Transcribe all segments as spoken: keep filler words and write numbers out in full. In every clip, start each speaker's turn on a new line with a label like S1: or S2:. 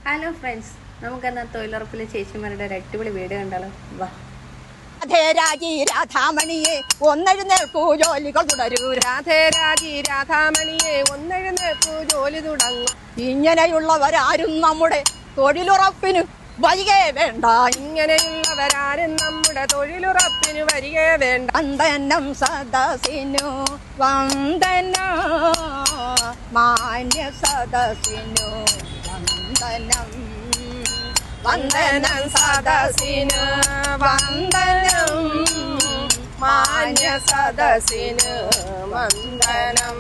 S1: Hello friends, നമുക്കെന്നാ തൊഴിലുറപ്പിലെ ചേച്ചിമാരുടെ ഒരു അടിപൊളി video കണ്ടാലോ. വാ.
S2: രാധേ രാജി രാധാമണിയെ ഒന്നെഴുന്നേൽക്കൂ ജോലികൾ തുടരൂ.
S3: രാധേ രാജി രാധാമണിയെ ഒന്നെഴുന്നേൽക്കൂ ജോലി തുടങ്ങും.
S2: ഇങ്ങനെയുള്ളവരാരും നമ്മുടെ തൊഴിലുറപ്പിന് വരികേ വേണ്ട.
S3: ഇങ്ങനെയുള്ളവരാരും നമ്മുടെ തൊഴിലുറപ്പിന് വരികേ വേണ്ട.
S2: വന്ദനം സദസ്സിനു വന്ദനം, മാന്യ സദസ്സിനു വന്ദനം.
S3: വന്ദനം സദസ്സിന് വന്ദനം, മാന്യ സദസ്സിന് വന്ദനം.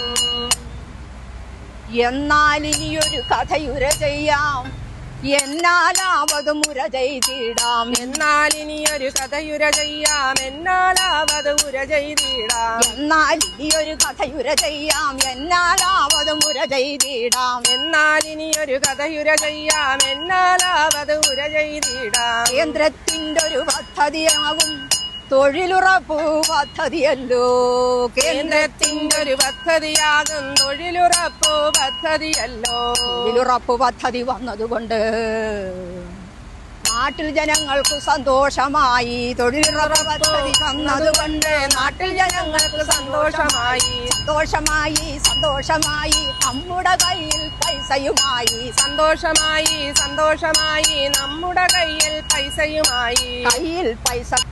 S2: എന്നാൽ ഇനിയൊരു കഥയുര ചെയ്യാം, എന്നാലാവത് മുര ചെയ്തിടാം.
S3: എന്നാൽ ഇനിയൊരു കഥയുര ചെയ്യാം, എന്നാലാവത് ഉര ചെയ്തിടാം.
S2: എന്നാൽ ഇനിയൊരു കഥയുര ചെയ്യാം, എന്നാലാവത് മുര ചെയ്തിടാം.
S3: എന്നാൽ ഇനിയൊരു കഥയുര ചെയ്യാം, എന്നാലാവത് ഉര ചെയ്തിടാം.
S2: കേന്ദ്രത്തിന്റെ ഒരു പദ്ധതിയാകും തൊഴിലുറപ്പ് പദ്ധതിയല്ലോ.
S3: കേന്ദ്രത്തിന്റെ ഒരു പദ്ധതിയാകും തൊഴിലുറപ്പ് പദ്ധതിയല്ലോ.
S2: തൊഴിലുറപ്പ് പദ്ധതി വന്നതുകൊണ്ട് നാട്ടിൽ ജനങ്ങൾക്ക് സന്തോഷമായി. തൊഴിലുറപ്പ് പദ്ധതി വന്നതുകൊണ്ട്
S3: നാട്ടിൽ ജനങ്ങൾക്ക് സന്തോഷമായി.
S2: സന്തോഷമായി സന്തോഷമായി നമ്മുടെ കയ്യിൽ പൈസയുമായി.
S3: സന്തോഷമായി സന്തോഷമായി നമ്മുടെ കയ്യിൽ പൈസയുമായി.
S2: കയ്യിൽ പൈസ